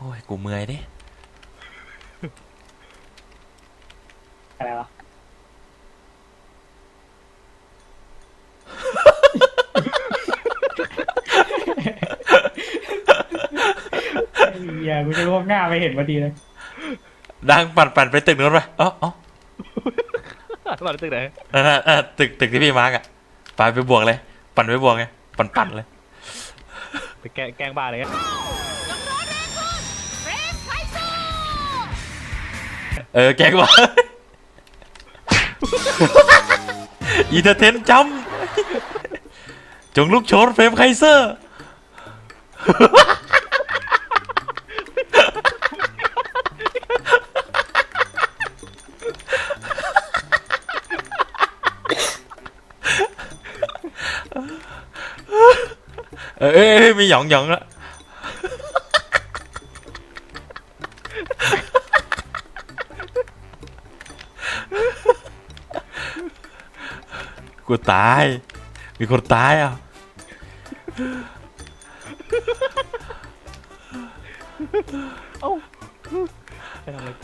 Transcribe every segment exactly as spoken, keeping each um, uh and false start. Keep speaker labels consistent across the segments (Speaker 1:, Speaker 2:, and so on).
Speaker 1: อ้ยกูเมื่อยดิ
Speaker 2: อะไรวะอย่ากูจะลวกหน้าไปเห็นพอดีเลย
Speaker 1: ดังปั่นปั่นไปตึกนู้นไปอ๋ออ๋อ
Speaker 3: มาตึกไหน
Speaker 1: นั่นน่ะตึกตึกที่พี่มาร์กอ่ะไปไปบวกเลยปั่นไปบวกไงปั่นปั่นเลย
Speaker 3: ไปแกแกล้งบ้าอะไรเงี้ย
Speaker 1: เออแกก็บอกอีเทอร์เทนจำจงลุกโชนเฟรมไคเซอร์เอ้ยมีหยองหยองแล้วกูตายมีคนตายอ่ะ
Speaker 3: เอ้าไปทำอะไรกู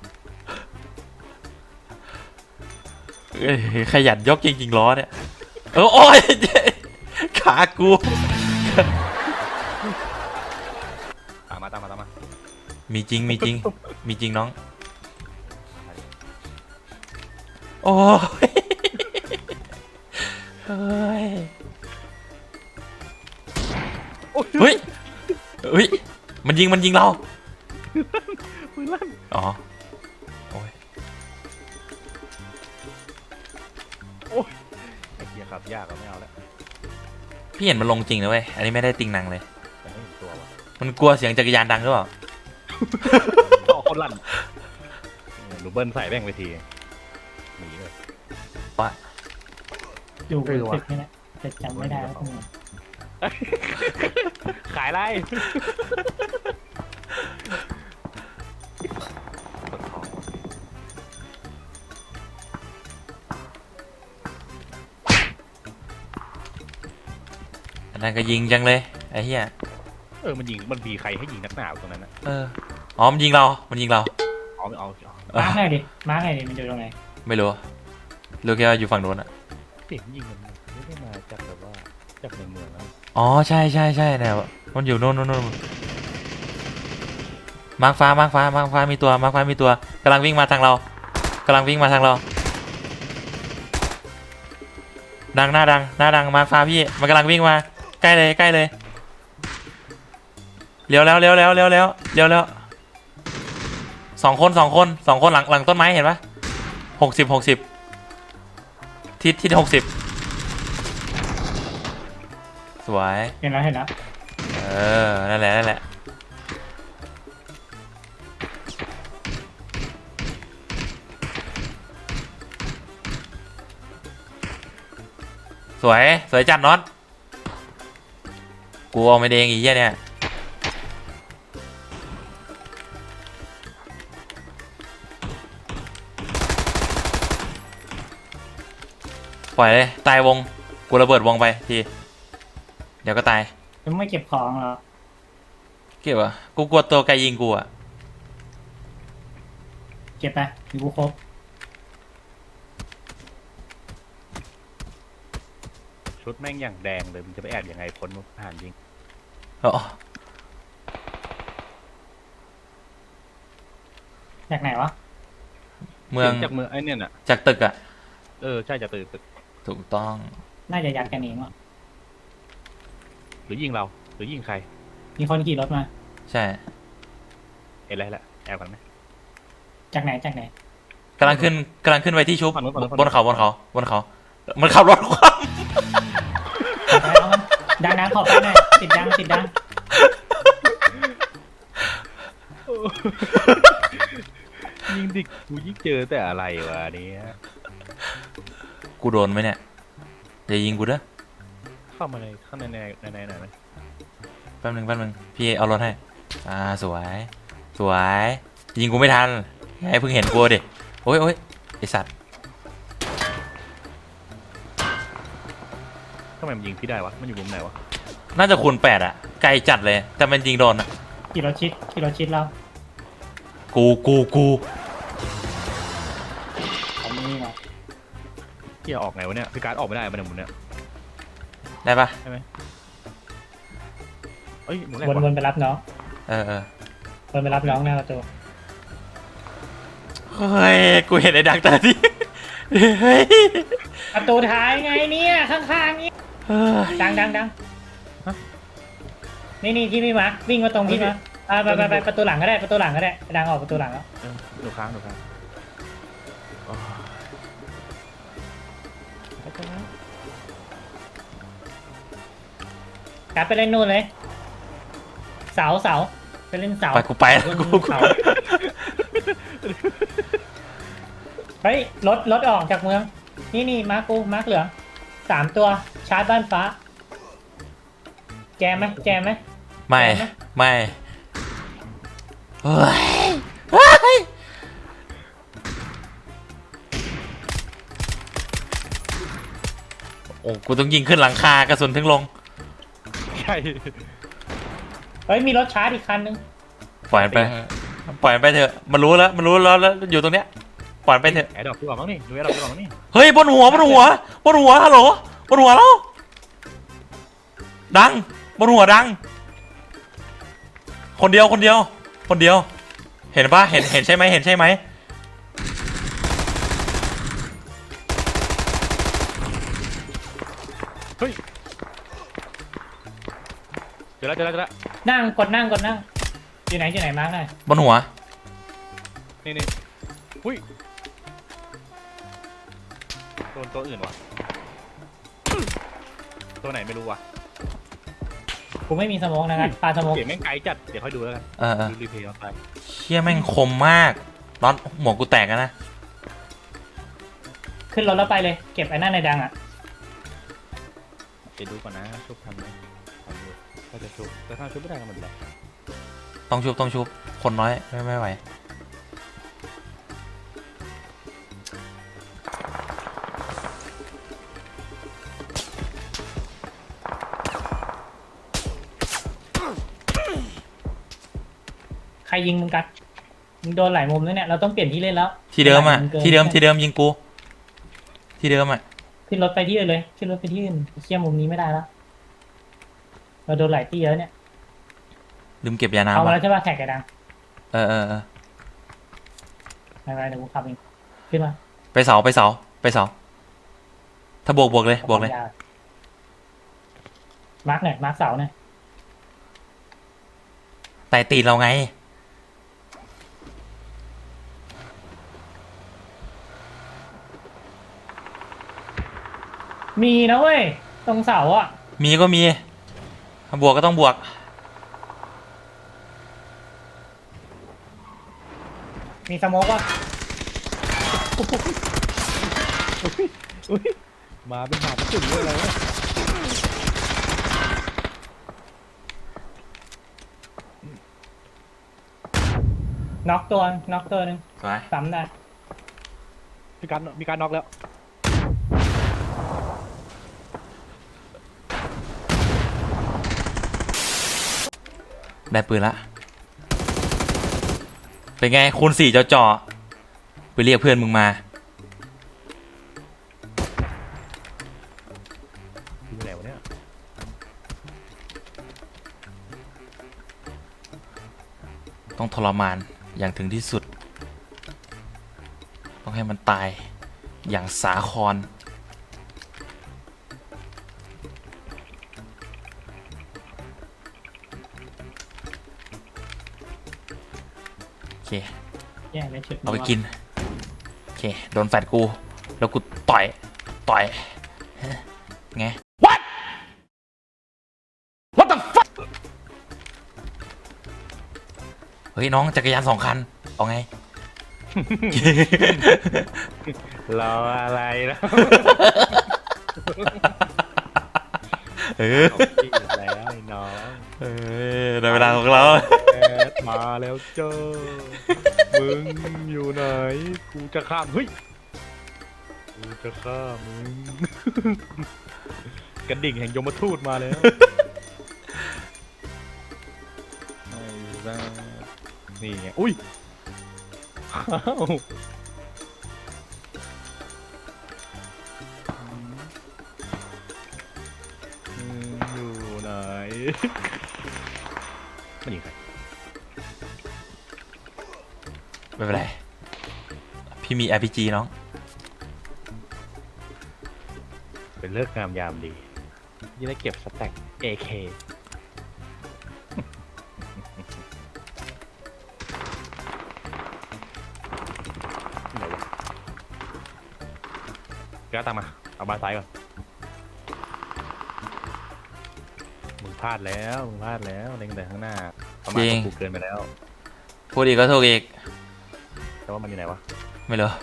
Speaker 1: เอ้ยขยันยกจริงๆล้อเนี่ยเออโอ้ยขากู
Speaker 3: ตามมาตามมาตามมา
Speaker 1: มีจริงมีจริงมีจริงน้องโอ้ยเฮ้ยเฮ้ยเฮ้ยมันยิงมันยิงเรา
Speaker 3: ปืนลั่น
Speaker 1: อ๋อโอ้ย
Speaker 3: โอ้ยไอ้เหี้ยขับยากก็ไม่เอาแล้ว
Speaker 1: พี่เห็นมันลงจริงนะเว้ยอันนี้ไม่ได้ติงหนังเลย
Speaker 3: แต่ไม่เห็นตัววะ
Speaker 1: มันกลัวเสียงจักรยานดังหรือเปล่า
Speaker 3: ต่อคนลั่นลูเบิ้ลใส่แม่งไปทีหนีเลย
Speaker 1: ว่า
Speaker 2: อยู่ตึกนี่แหละแต่จำไม่ได้แล้วตรงไหน
Speaker 3: ขายไร
Speaker 1: อันนั้นก็ยิงจังเลยไอ้เหี้ย
Speaker 3: เออมันยิงมันมีใครให้ยิงนักหนาตรงนั้นนะ
Speaker 1: เอออ๋อมันยิงเรามันยิงเรา
Speaker 3: เอาเอา
Speaker 2: มาร์กไงดิมาร์กไงดิมันอยู่ตรงไหน
Speaker 1: ไม่รู้รู้แค่ว่าอยู่ฝั่งโน้นอะ
Speaker 3: เสียงยิงมันไม่ได้มาจากแบบว่าจากในเมืองนะ
Speaker 1: อ๋อใช่ใช่ใช่เนี่ยมันอยู่โน่นโน่นโน่นมาร์คฟ้ามาร์คฟ้ามาร์คฟ้ามีตัวมาร์คฟ้ามีตัวกำลังวิ่งมาทางเรากำลังวิ่งมาทางเราดังหน้าดังหน้าดังมาร์คฟ้าพี่มันกำลังวิ่งมาใกล้เลยใกล้เลยเลี้ยวแล้วเลี้ยวแล้วเลี้ยวแล้วเลี้ยวแล้วสองคนสองคนสองคนหลังหลังต้นไม้เห็นปะหกสิบหกสิบทิศทิศหกสิบสวย
Speaker 2: เห็นแล้วเห็นแล้ว
Speaker 1: เออนั่นแหละนั่นแหละสวยสวยจัดน็อตกูเอาไม่เด้งอีกเหี้ยเนี่ยปล่อยเลยตายวงกูระเบิดวงไปทีเดี๋ยวก็ตาย
Speaker 2: ยังไม่เก็บของเหรอ
Speaker 1: เก็บอ่ะกูกลัวตัวไกลยิงกูอ่ะ
Speaker 2: เก็บไปมีกูครบ
Speaker 3: ชุดแม่งอย่างแดงเลยมันจะไปแอบยังไงพ้นผ่านยิง
Speaker 1: อ๋อ
Speaker 2: จากไหนวะ
Speaker 1: เมือง
Speaker 3: จากเมืองไอ้เนี่ยน่ะ
Speaker 1: จากตึกอ่ะ
Speaker 3: เออใช่จากตึกตึก
Speaker 1: ถูกต้อง
Speaker 2: น่าจะยัดกันเองวะ
Speaker 3: หรือยิงเราหรือยิงใคร
Speaker 2: มีคนขี่รถมา
Speaker 1: ใช่
Speaker 3: เห็นอะไรละแอบกันไหม
Speaker 2: จากไหนจากไหน
Speaker 1: กำลังขึ้นกำลังขึ้นไปที่ชุบบนเขาบนเขาบนเขามันขับรถคว่
Speaker 2: ำดังนะขอไปหน่อยติดดังติดดัง
Speaker 3: ยิงดิกูยิ่งเจอแต่อะไรวะนี้
Speaker 1: กูโดนไหมเนี่ยอย่ายิงกูเด้อ
Speaker 3: เข้ามาในข้างในในในในไหน
Speaker 1: แป๊บนึงแป๊บนึงพี่เอารถให้อ่าสวยสวยยิงกูไม่ทันให้เพิ่งเห็นกูดิโอ้ยโอ้ยไอสัตว์
Speaker 3: ทำไมมันยิงพี่ได้วะมันอยู่มุมไหนวะ
Speaker 1: น่าจะคูณแปดอะไกลจัดเลยแต่มันยิงโดนอะ
Speaker 2: ขี่รถชิดขี่รถชิดเรา
Speaker 1: กูกูกู
Speaker 2: ผมนี่มา
Speaker 3: ที่จะออกไงวะเนี่ยพี่การ์ดออกไม่ได้มันเนี่ยหมุนเนี่ย
Speaker 1: ได้ปะ
Speaker 3: ใช่ไหมเอ้ยหมุนแรก
Speaker 2: วน
Speaker 3: ว่ะ
Speaker 2: วนไปรับน้อง
Speaker 1: เออเออ
Speaker 2: วนไปรับน้องหน้าประตู
Speaker 1: เฮ้ยกูเห็นไอ้ดักแต่ที่เฮ้ย
Speaker 2: ประตูท้ายไงเนี่ยข้างๆนี่
Speaker 1: เฮ้ย
Speaker 2: ดังดังดังนี่นี่ที่พี่มาวิ่งมาตรงพี่มาอ่าไปไปไปประตูหลังก็ได้ประตูหลังก็ได้ดังออกประตูหลังแล้ว
Speaker 3: เออหนูค้างหนูค้างโอ้ยไปกันนะ
Speaker 2: กลับไปเล่นนู่นเลย เสาเสาไปเล่นเสา
Speaker 1: ไปกูไปแล้วกูกู
Speaker 2: เสาเฮ้ยรถรถออกจากเมือง นี่นี่มาร์คกูมาร์คเหลืองสามตัวชาร์จบ้านฟ้า แจมไหมแจมไหม
Speaker 1: ไม่ไม่เฮ้ยเฮ้ยโอ้กูต้องยิงขึ้นหลังคากระสุนถึงลง
Speaker 3: ใช่
Speaker 2: เฮ้ยมีรถชาร์จอีกคันนึง
Speaker 1: ปล่อยมันไปปล่อยมันไปเถอะมันรู้แล้วมันรู้แล้วแล้วอยู่ตรงเนี้ยปล่อยมันไปเถอะ
Speaker 3: แอร์ดรอปดีกว่ามั้งนี่ดูแอร์ดรอปดีกว่ามั้งนี่
Speaker 1: เฮ้ยบนหัวบนหัวบนหัวฮัลโหลบนหัวแล้วดังบนหัวดัง คนเดียวคนเดียว คนเดียว เห็นปะเห็นเห็นใช่ไหมเห็นใช่ไหม
Speaker 3: เฮ้ยเจอแล้วเจอแล้วเจอแล้ว
Speaker 2: นั่งกดนั่งกดนั่งอยู่ไหนอยู่ไหนมาร์คหน่อย
Speaker 1: บนหัว
Speaker 3: นี่นี่อุ้ยโดนตัวอื่นว่ะตัวไหนไม่รู้ว่ะ
Speaker 2: กูไม่มีสโมองนะครับปลาสโมอง
Speaker 3: เสียงแม่งไกลจัดเดี๋ยวค่อยดูแล้วกัน
Speaker 1: เออเออ
Speaker 3: ดูรีเพลย์เอาไป
Speaker 1: เชี่ยแม่งคมมากร้อนหมวกกูแตกแล้วนะ
Speaker 2: ขึ้นรถแล้วไปเลยเก็บไอ้นั่นในดังอ่ะ
Speaker 3: ไปดูก่อนนะชุบทันไหมทันดูถ้าจะชุบแต่ถ้าชุบไม่ได้ก็ไมันแหละ
Speaker 1: ต้องชุบต้องชุบคนน้อยไม่ไม่ไหว
Speaker 2: ใครยิงมึงกัดมึงโดนหลายมุมแล้วเนี่ยเราต้องเปลี่ยนที่เล่นแล้ว
Speaker 1: ที่เดิมอ่ะ
Speaker 2: หลายกิน
Speaker 1: ที่เดิมที่เดิมยิงกู ที่เดิมอ่ะ
Speaker 2: ขึ้นรถไปที่อื่นเลยขึ้นรถไปที่อื่นเชี่ยมุมนี้ไม่ได้แล้วเราโดนหลายที่เยอะเนี่ย
Speaker 1: ลืมเก็บยา
Speaker 2: เอา
Speaker 1: น้ำ
Speaker 2: มา
Speaker 1: อ่ะ
Speaker 2: แล้วใช่ป่ะแท็กไอ้ดัง
Speaker 1: เออเออเออ
Speaker 2: ไปไปเดี๋ยวกูขับเองขึ้นมา
Speaker 1: ไปเสาไปเสาไปเสาถ้าบวกบวกเลยบวกเลย
Speaker 2: มาร์กหน่อยมาร์กเสาหน่อย
Speaker 1: ไต่ตีนเราไง
Speaker 2: มีนะเว้ยตรงเสาอ่ะ
Speaker 1: มีก็มีถ้าบวกก็ต้องบวก
Speaker 2: มีสโมกว่ะ
Speaker 3: อุ้ยมาเป็นหาจุดเลยอะไรวะ
Speaker 2: น็อกตัวน็อกตัวหนึ่ง
Speaker 1: สวย
Speaker 2: ซ้ำได้
Speaker 3: มีการมีการน็อกแล้ว
Speaker 1: ได้ปืนละเป็นไงคูณสี่เจาะเจาะไปเรียกเพื่อนมึงมา
Speaker 3: อยู่ไหนวะเนี่ย
Speaker 1: ต้องทรมานอย่างถึงที่สุด ต้องให้มันตายอย่างสาคร โอเค
Speaker 2: แย่เลยชุด
Speaker 1: เอาไปกิน โอเค โดนแฟดกู แล้วกูต่อย ต่อย ไง What What the fuck เฮ้ย น้องจักรยานสองคัน เอาไง
Speaker 3: รออะไรนะ
Speaker 1: เออ
Speaker 3: เอาที่แล้วไอ้น้อง
Speaker 1: เออได้เวลาของเรา
Speaker 3: แอดมาแล้วเจ้ามึงอยู่ไหนกูจะข้ามเฮ้ยกูจะฆ่ามึง กระดิ่งแห่งยมทูตมาแล้วไม่ได้นี่ไงอุ้ยอ้าวอืมอยู่ไหนมันยิงใคร
Speaker 1: ไม่เป็นไรพี่มี อาร์ พี จี น้อง
Speaker 3: เป็นเลิกงามยามดียี่ได้เก็บสแต็ก เอ เค ไหนวะแกตามมา เอาบานซ้ายก่อน มึงพลาดแล้ว มึงพลาดแล้วเล็งแต่ข้างหน้าประมาณ
Speaker 1: จริง
Speaker 3: กูเกินไปแล้ว
Speaker 1: พูดอีกก็ถูกอีก
Speaker 3: แต่ว่ามันอยู่ไหนวะ
Speaker 1: ไม่รู้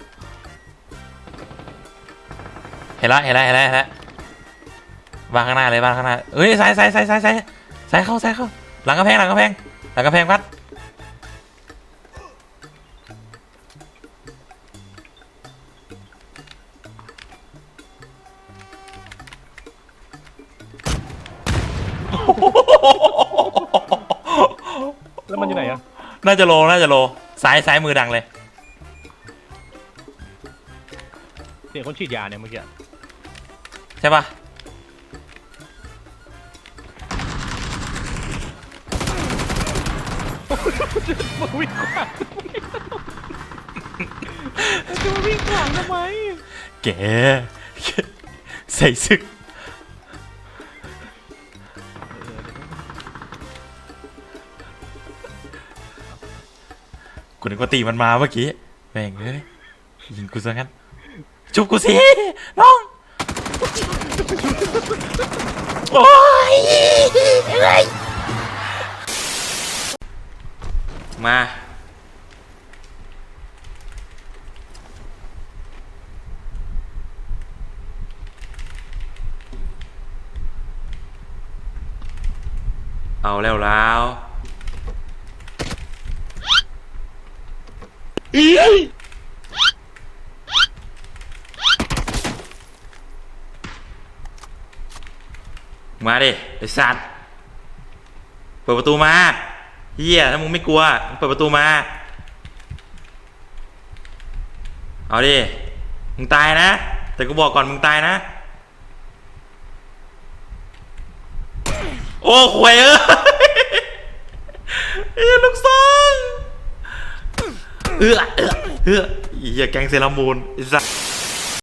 Speaker 1: เห็นละเห็นละเห็นละเห็นละบ้านข้างหน้าเลยบ้านข้างหน้าเอ้ยซ้ายซ้ายซ้ายซ้ายซ้ายซ้ายเข้าซ้ายเข้าหลังกระแพงหลังกระแพงหลังกระแพงพัด
Speaker 3: แล้วมันอยู่ไหนอะ
Speaker 1: น่าจะโลน่าจะโลซ้ายซ้ายมือดังเลย
Speaker 3: เสียงคนฉีดยาเนี่ยเมื่อกี้
Speaker 1: ใช่ปะ
Speaker 3: มาวิ่งขวางจะมาวิ่งขวางทำไม
Speaker 1: แกใส่ซึกกูนึกว่าตีมันมาเมื่อกี้แม่งเอ้ยยิงกูซะงั้นจุบกูสิน้องโอ้ยเอ้ยมาเอาแล้วแล้วมาดิไอ้สัตว์เปิดประตูมาเฮียถ้ามึงไม่กลัวมึงเปิดประตูมาเอาดิมึงตายนะแต่กูบอกก่อนมึงตายนะโอ้ขวยเอ้ยเอ้ยลูกซองเอื้อเอื้อเอื้อเฮียแกงเซรามูนไอ้สัส